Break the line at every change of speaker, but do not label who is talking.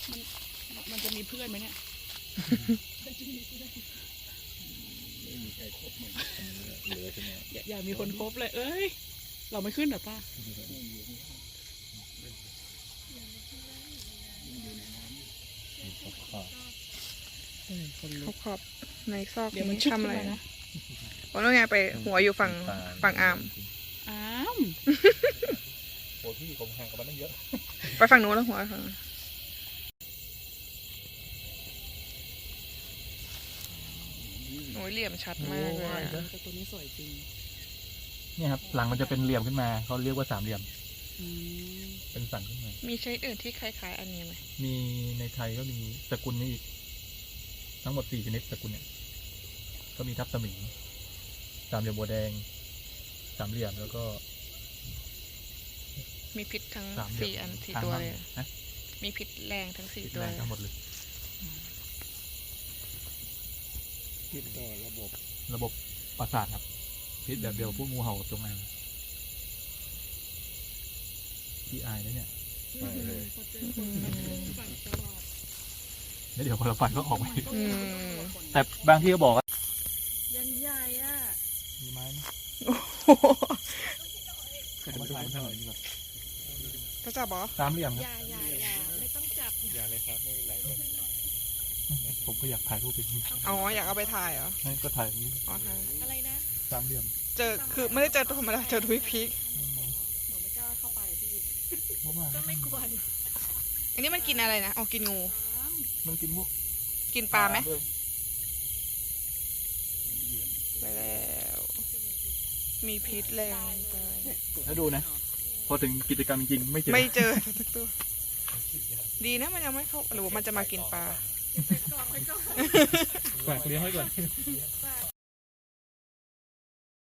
มันจะมีเพื่อนไหมเนี่ย
ไม่มีใครครบมันเหลือใช่ไหม
อย่ามีคนคบเลยเอ้ยเราไม่ขึ้นหรอป้า
ขอบในซอก
เดี๋ยวมัน
นี้
ชุบ
ทำอะไร
ขึ้นมา
นะโอ้แล้วไงไปหัวอยู่ฝั่งอาร์ม
อ้าม
โอ้พี่ผมห่างกับมันตั้งเยอะ
ไปฝั่งนู้นแล้วหัวฝั่งนู้นโอ้ยเหลี่ยมชัดมากเลยอะ
แต่ตัวนี้สวยจริง
เนี่ยครับหลังมันจะเป็นเหลี่ยมขึ้นมาเขาเรียกว่าสามเหลี่ยม
อืม
เป็นสันขึ้นมา
มีชนิดอื่นที่คล้ายๆอันนี้ไหม
มีในไทยก็มีตระกูลนี้อีกทั้งหมด4 ชนิดตระกูลเนี่ยก็มีทับสมิงสามเหลี่ยมบัวแดงสามเหลี่ยมแล้วก็
มีพิษทั้ง
สามเหลี่ยม
4 อัน 4
ทาง
ตัว
บ้าง
เลย
นะ
มีพิษแรงทั้ง
พิษ
4 ตัว
แรง
เลย
ทั้งหมดเลย
ติดต่อ
ระบบประสาทครับพิษแบบเดียวพวกงูเห่ากับจงอางที่อายนะเนี่ย
ไปเลย
แล้วเดี๋ยวพอเราฟันก็ออกไป
อืม
แต่บางที่ก็บอกว่า
ยันใหญ่อ่ะ
มีไม้ไหม
โอ้โห
เอามาถ่ายหน่อยดีกว่า
ก็จับเหรอ
สามเหลี่ยมค
อ
รับ
ย่าไม่ต้องจับ
อย่าเลยครับไม่เป็นไร
ผมก็อยากถ่ายรูปเป็นนี้
อ๋ออยากเอาไปถ่ายเหรอ
ให้ก็ถ่ายอย่างนี้
อ๋อถ่าย
อะไรนะ
สามเหลี่ยม
เจอคือไม่ได้เจอตัวธรรมดาเจอทวิกพีค
หนูไม่กล้าเข้าไปพี่
เพราะว่า
ก็ไม่ควร
อันนี้มันกินอะไรนะอ๋อกินงู
มันกินพวก
กินปลาไหม
ด้วย
ไปแล้ว มีพิษแรงไป
แล้วดูนะ พอถึงกิจกรรมจริงๆไม่เจอ
ไม่เจอสักตัว ดีนะมันยังไม่เข้าหรือว่ามันจะมากินปลา
ฝากเลี้ยงไว้ก่อน